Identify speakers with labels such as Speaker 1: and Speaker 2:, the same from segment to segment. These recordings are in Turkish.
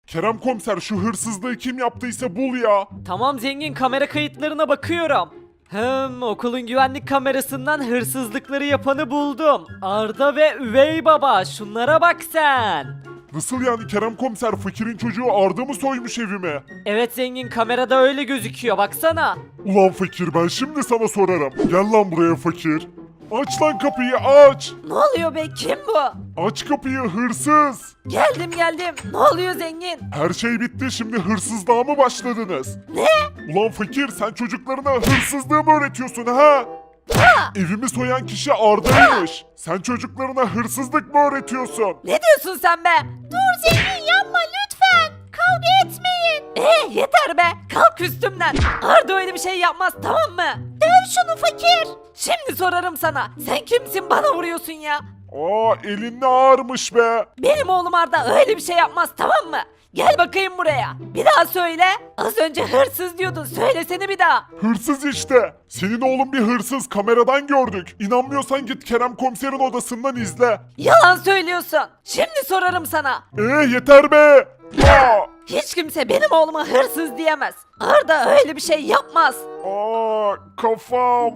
Speaker 1: Kerem komiser şu hırsızlığı kim yaptıysa bul ya.
Speaker 2: Tamam zengin, kamera kayıtlarına bakıyorum. Okulun güvenlik kamerasından hırsızlıkları yapanı buldum. Arda ve Üvey Baba, şunlara bak sen.
Speaker 1: Nasıl yani Kerem komiser, fakirin çocuğu Arda mı soymuş evimi?
Speaker 2: Evet zengin, kamerada öyle gözüküyor, baksana.
Speaker 1: Ulan fakir, ben şimdi sana sorarım. Gel lan buraya fakir. Aç lan kapıyı, aç.
Speaker 2: Ne oluyor be, kim bu?
Speaker 1: Aç kapıyı, hırsız.
Speaker 2: Geldim. Ne oluyor zengin?
Speaker 1: Her şey bitti, şimdi hırsızlığa mı başladınız?
Speaker 2: Ne?
Speaker 1: Ulan fakir, sen çocuklarına hırsızlığı mı öğretiyorsun ha? Evimi soyan kişi Arda'ymış. Sen çocuklarına hırsızlık mı öğretiyorsun?
Speaker 2: Ne diyorsun sen be? Dur zengin, yapma lütfen. Kavga etmeyin. Yeter be. Kalk üstümden. Arda öyle bir şey yapmaz, tamam mı? Döv şunu fakir. Şimdi sorarım sana. Sen kimsin, bana vuruyorsun ya?
Speaker 1: Aa, elin ne ağırmış be.
Speaker 2: Benim oğlum Arda öyle bir şey yapmaz, tamam mı? Gel bakayım buraya. Bir daha söyle. Az önce hırsız diyordun. Söylesene bir daha.
Speaker 1: Hırsız işte. Senin oğlun bir hırsız, kameradan gördük. İnanmıyorsan git Kerem komiserin odasından izle.
Speaker 2: Yalan söylüyorsun. Şimdi sorarım sana.
Speaker 1: Yeter be. Aa,
Speaker 2: Hiç kimse benim oğluma hırsız diyemez. Arda öyle bir şey yapmaz.
Speaker 1: Kafam.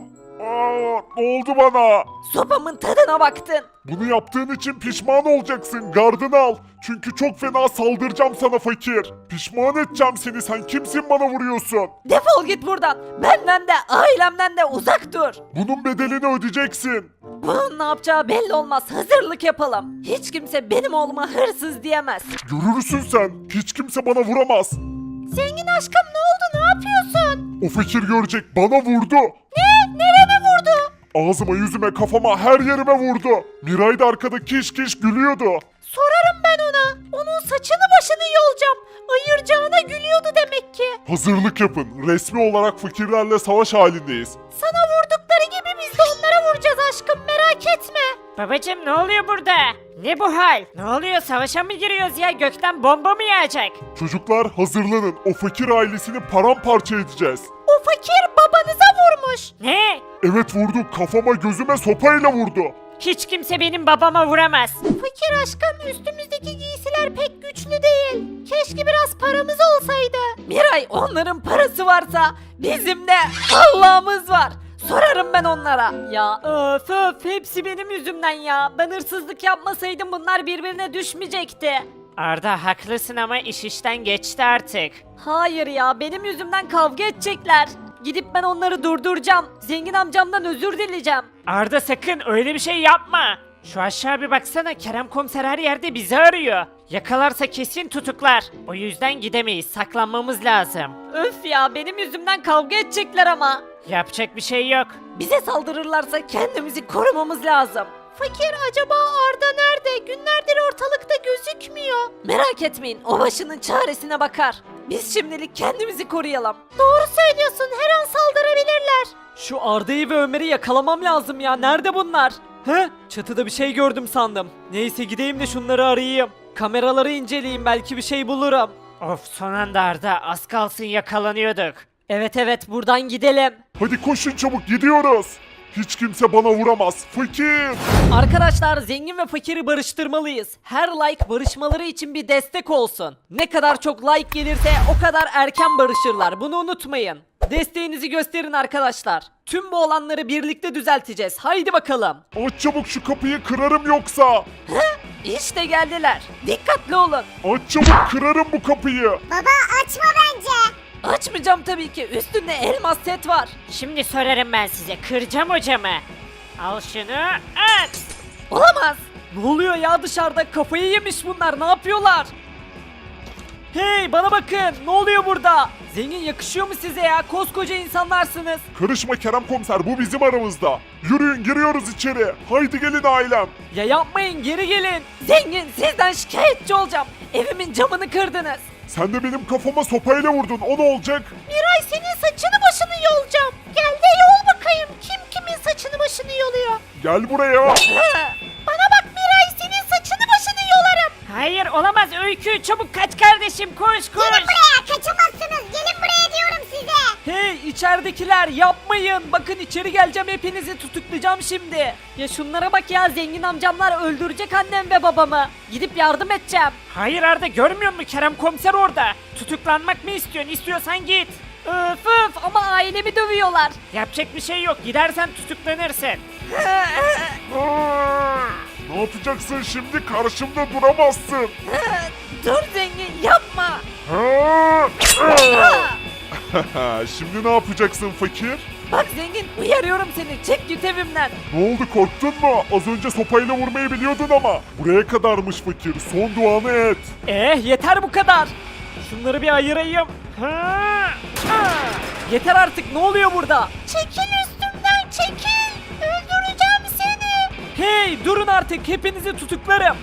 Speaker 1: Ne oldu bana?
Speaker 2: Sopamın tadına baktın.
Speaker 1: Bunu yaptığın için pişman olacaksın. Gardını al. Çünkü çok fena saldıracağım sana fakir. Pişman edeceğim seni. Sen kimsin bana vuruyorsun?
Speaker 2: Defol git buradan. Benden de ailemden de uzak dur.
Speaker 1: Bunun bedelini ödeyeceksin.
Speaker 2: Bunun ne yapacağı belli olmaz. Hazırlık yapalım. Hiç kimse benim oğluma hırsız diyemez.
Speaker 1: Görürsün sen. Hiç kimse bana vuramaz.
Speaker 2: Zengin aşkım, ne oldu? Ne yapıyorsun?
Speaker 1: O fakir görecek. Bana vurdu.
Speaker 2: Ne? Nereme vurdu?
Speaker 1: Ağzıma, yüzüme, kafama, her yerime vurdu. Miray da arkada kiş kiş gülüyordu.
Speaker 2: Sorarım ben ona. Onun saçını başını yolacağım. Ayıracağına gülüyordu demek ki.
Speaker 1: Hazırlık yapın. Resmi olarak fakirlerle savaş halindeyiz.
Speaker 2: Sana vurdukları gibi biz de onlara vuracağız aşkım, merak etme.
Speaker 3: Babacım ne oluyor burada? Ne bu hal? Ne oluyor, savaşa mı giriyoruz ya? Gökten bomba mı yağacak?
Speaker 1: Çocuklar hazırlanın. O fakir ailesini paramparça edeceğiz.
Speaker 2: O fakir babanıza vurmuş.
Speaker 3: Ne?
Speaker 1: Evet vurdu. Kafama, gözüme sopayla vurdu.
Speaker 3: Hiç kimse benim babama vuramaz.
Speaker 2: Fakir aşkım, üstümüzdeki giysiler pek güçlü değil. Keşke biraz paramız olsaydı. Miray, onların parası varsa bizim de Allah'ımız var. Sorarım ben onlara. Ya öf hepsi benim yüzümden ya. Ben hırsızlık yapmasaydım bunlar birbirine düşmeyecekti.
Speaker 3: Arda haklısın ama iş işten geçti artık.
Speaker 2: Hayır ya, benim yüzümden kavga edecekler. Gidip ben onları durduracağım. Zengin amcamdan özür dileyeceğim.
Speaker 3: Arda sakın öyle bir şey yapma. Şu aşağı bir baksana, Kerem komiser her yerde bizi arıyor. Yakalarsa kesin tutuklar. O yüzden gidemeyiz, saklanmamız lazım.
Speaker 2: Öf ya, benim yüzümden kavga edecekler ama.
Speaker 3: Yapacak bir şey yok.
Speaker 2: Bize saldırırlarsa kendimizi korumamız lazım. Fakir, acaba Arda nerede? Günlerdir ortalıkta gözükmüyor. Merak etmeyin, o başının çaresine bakar. Biz şimdilik kendimizi koruyalım. Doğru söylüyorsun, her an saldırabilirler. Şu Arda'yı ve Ömer'i yakalamam lazım ya, nerede bunlar? He? Çatıda bir şey gördüm sandım. Neyse gideyim de şunları arayayım. Kameraları inceleyeyim, belki bir şey bulurum.
Speaker 3: Of, son anda Arda, az kalsın yakalanıyorduk.
Speaker 2: Evet buradan gidelim.
Speaker 1: Hadi koşun çabuk, gidiyoruz. Hiç kimse bana vuramaz. Fakir.
Speaker 2: Arkadaşlar, zengin ve fakiri barıştırmalıyız. Her like barışmaları için bir destek olsun. Ne kadar çok like gelirse o kadar erken barışırlar. Bunu unutmayın. Desteğinizi gösterin arkadaşlar. Tüm bu olanları birlikte düzelteceğiz. Haydi bakalım.
Speaker 1: Aç çabuk şu kapıyı, kırarım yoksa.
Speaker 2: İşte geldiler. Dikkatli olun.
Speaker 1: Aç çabuk, kırarım bu kapıyı.
Speaker 4: Baba açma bence.
Speaker 2: Açmayacağım tabii ki. Üstünde elmas set var.
Speaker 3: Şimdi sorarım ben size, kıracağım hocamı. Al şunu, at!
Speaker 2: Olamaz. Ne oluyor ya dışarıda? Kafayı yemiş bunlar. Ne yapıyorlar? Hey, bana bakın. Ne oluyor burada? Zengin, yakışıyor mu size ya? Koskoca insanlarsınız.
Speaker 1: Karışma Kerem komiser, bu bizim aramızda. Yürüyün, giriyoruz içeri. Haydi gelin ailem.
Speaker 2: Ya yapmayın, geri gelin. Zengin, sizden şikayetçi olacağım. Evimin camını kırdınız.
Speaker 1: Sen de benim kafama sopayla vurdun, o ne olacak?
Speaker 2: Miray, senin saçını başını yolacağım. Gel de yol bakayım. Kim kimin saçını başını yoluyor?
Speaker 1: Gel buraya.
Speaker 2: Bana bak Miray, senin saçını başını yolarım.
Speaker 3: Hayır, olamaz Öykü, çabuk kaç kardeşim, koş koş!
Speaker 4: Gelin buraya, kaçamazsınız. Gelin buraya diyorum size.
Speaker 2: Hey içeridekiler yapmayın. Bakın içeri geleceğim, hepinizi tutuklayacağım şimdi. Ya şunlara bak ya, zengin amcamlar öldürecek annem ve babamı. Gidip yardım edeceğim.
Speaker 3: Hayır Arda, görmüyor musun Kerem komiser orada? Tutuklanmak mı istiyorsun? İstiyorsan git.
Speaker 2: Öf öf, ama ailemi dövüyorlar.
Speaker 3: Yapacak bir şey yok, gidersen tutuklanırsın.
Speaker 1: Ne yapacaksın şimdi? Karşımda duramazsın.
Speaker 2: Dur zengin, yapma.
Speaker 1: Şimdi ne yapacaksın fakir?
Speaker 2: Bak zengin, uyarıyorum seni, çek git evimden.
Speaker 1: Ne oldu, korktun mu? Az önce sopayla vurmayı biliyordun ama. Buraya kadarmış fakir. Son duanı et.
Speaker 2: Yeter bu kadar. Şunları bir ayırayım. Yeter artık, ne oluyor burada? Çekil üstümden, çekil. Öldüreceğim seni. Hey durun artık, hepinizi tutuklarım.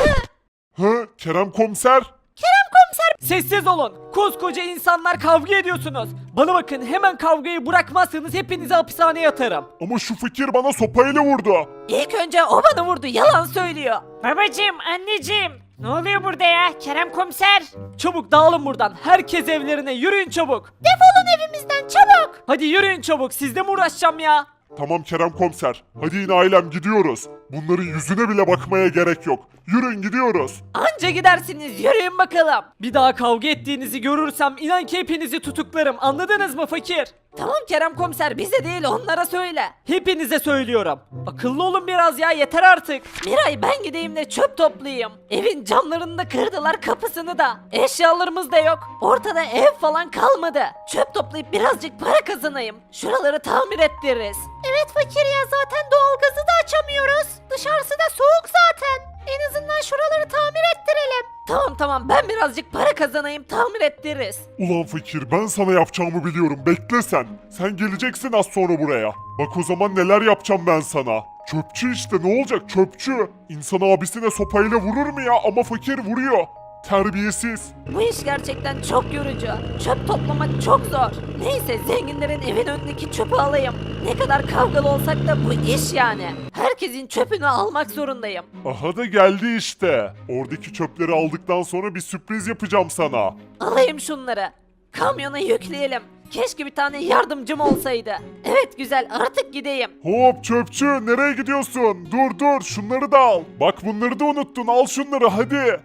Speaker 1: Kerem komiser?
Speaker 2: Sessiz olun. Koskoca insanlar kavga ediyorsunuz. Bana bakın, hemen kavgayı bırakmazsanız hepinizi hapishaneye atarım.
Speaker 1: Ama şu fakir bana sopayla vurdu.
Speaker 2: İlk önce o bana vurdu, yalan söylüyor.
Speaker 3: Babacım, anneciğim. Ne oluyor burada ya Kerem komiser?
Speaker 2: Çabuk dağılın buradan. Herkes evlerine, yürüyün çabuk. Defolun evimizden çabuk. Hadi yürüyün çabuk, sizle mi uğraşacağım ya?
Speaker 1: Tamam Kerem komiser. Hadi yine ailem, gidiyoruz. Bunların yüzüne bile bakmaya gerek yok. Yürüyün, gidiyoruz.
Speaker 2: Anca gidersiniz, yürüyün bakalım. Bir daha kavga ettiğinizi görürsem inan ki hepinizi tutuklarım, anladınız mı fakir? Tamam Kerem komiser, bize değil onlara söyle. Hepinize söylüyorum. Akıllı olun biraz ya, yeter artık. Miray, ben gideyim de çöp toplayayım. Evin camlarını da kırdılar, kapısını da. Eşyalarımız da yok. Ortada ev falan kalmadı. Çöp toplayıp birazcık para kazanayım. Şuraları tamir ettiririz. Evet fakir ya, zaten doğalgazı da açamıyoruz. Dışarısı da soğuk zaten. En azından şuraları tamir ettirelim. Tamam, ben birazcık para kazanayım, tamir ettiririz.
Speaker 1: Ulan fakir, ben sana yapacağımı biliyorum. Bekle sen. Sen geleceksin az sonra buraya. Bak o zaman neler yapacağım ben sana. Çöpçü işte, ne olacak çöpçü. İnsan abisine sopayla vurur mu ya? Ama fakir vuruyor. Terbiyesiz.
Speaker 2: Bu iş gerçekten çok yorucu. Çöp toplamak çok zor. Neyse, zenginlerin evin önündeki çöpü alayım. Ne kadar kavgalı olsak da bu iş yani. Herkesin çöpünü almak zorundayım.
Speaker 1: Aha da geldi işte. Oradaki çöpleri aldıktan sonra bir sürpriz yapacağım sana.
Speaker 2: Alayım şunları. Kamyona yükleyelim. Keşke bir tane yardımcım olsaydı. Evet güzel, artık gideyim.
Speaker 1: Hop çöpçü, nereye gidiyorsun? Dur şunları da al. Bak bunları da unuttun, al şunları hadi.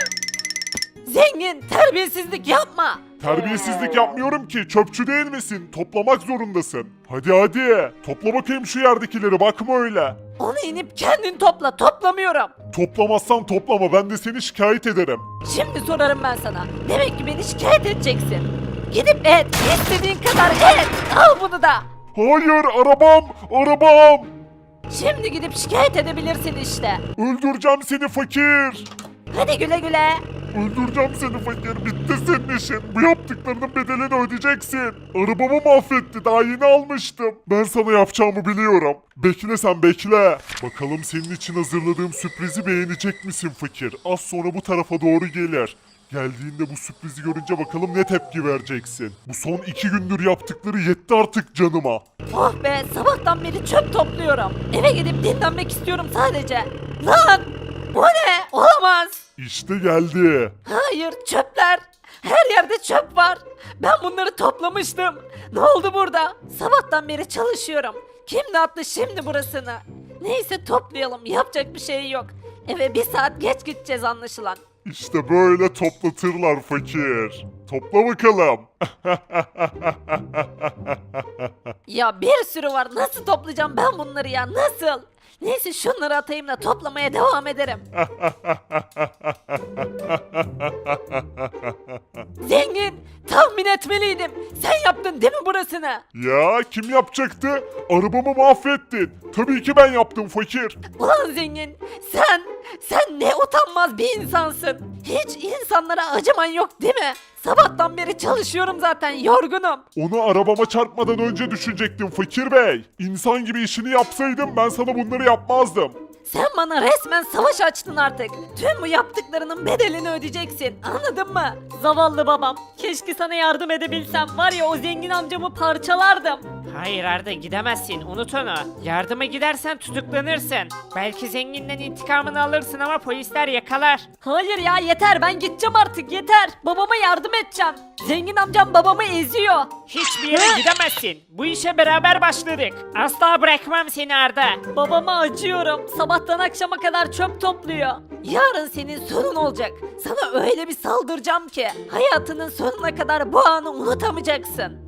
Speaker 2: Zengin, terbiyesizlik yapma.
Speaker 1: Terbiyesizlik yapmıyorum ki, çöpçü değil misin? Toplamak zorundasın. Hadi topla bakayım şu yerdekileri, bakma öyle.
Speaker 2: Onu inip kendin topla, toplamıyorum.
Speaker 1: Toplamazsan toplama, ben de seni şikayet ederim.
Speaker 2: Şimdi sorarım ben sana. Demek ki beni şikayet edeceksin. Gidip et, istediğin kadar et. Al bunu da.
Speaker 1: Hayır, arabam.
Speaker 2: Şimdi gidip şikayet edebilirsin işte.
Speaker 1: Öldüreceğim seni fakir.
Speaker 2: Hadi güle güle.
Speaker 1: Öldüreceğim seni fakir, bitti senin işin. Bu yaptıklarının bedelini ödeyeceksin. Arabamı mahvetti, daha yeni almıştım. Ben sana yapacağımı biliyorum. Bekle sen, bekle. Bakalım senin için hazırladığım sürprizi beğenecek misin fakir? Az sonra bu tarafa doğru gelir. Geldiğinde bu sürprizi görünce bakalım ne tepki vereceksin. Bu son 2 gündür yaptıkları yetti artık canıma.
Speaker 2: Oh be, sabahtan beri çöp topluyorum. Eve gidip dinlenmek istiyorum sadece. Lan! Bu ne? Olamaz.
Speaker 1: İşte geldi.
Speaker 2: Hayır, çöpler. Her yerde çöp var. Ben bunları toplamıştım. Ne oldu burada? Sabahtan beri çalışıyorum. Kim dağıttı şimdi burasını? Neyse, toplayalım. Yapacak bir şey yok. Eve 1 saat geç gideceğiz anlaşılan.
Speaker 1: İşte böyle toplatırlar fakir. Topla bakalım.
Speaker 2: Ya bir sürü var. Nasıl toplayacağım ben bunları ya? Nasıl? Neyse, şunları atayım da toplamaya devam ederim. Zengin, tahmin etmeliydim. Sen yaptın değil mi burasını?
Speaker 1: Ya kim yapacaktı? Arabamı mahvettin. Tabii ki ben yaptım fakir.
Speaker 2: Ulan zengin, sen ne utanmaz bir insansın. Hiç insanlara acıman yok değil mi? Sabahtan beri çalışıyorum zaten, yorgunum.
Speaker 1: Onu arabama çarpmadan önce düşünecektim fakir bey. İnsan gibi işini yapsaydım ben sana bunları yapmazdım.
Speaker 2: Sen bana resmen savaş açtın artık. Tüm bu yaptıklarının bedelini ödeyeceksin. Anladın mı? Zavallı babam. Keşke sana yardım edebilsem. Var ya o zengin amcamı parçalardım.
Speaker 3: Hayır Arda gidemezsin unut onu. Yardıma gidersen tutuklanırsın. Belki zenginden intikamını alırsın ama polisler yakalar.
Speaker 2: Hayır ya yeter ben gideceğim artık yeter. Babama yardım edeceğim. Zengin amcam babamı eziyor.
Speaker 3: Hiçbir yere gidemezsin. Bu işe beraber başladık. Asla bırakmam seni Arda.
Speaker 2: Babama acıyorum. Sabahtan akşama kadar çöp topluyor. Yarın senin sonun olacak. Sana öyle bir saldıracağım ki hayatının sonuna kadar bu anı unutamayacaksın.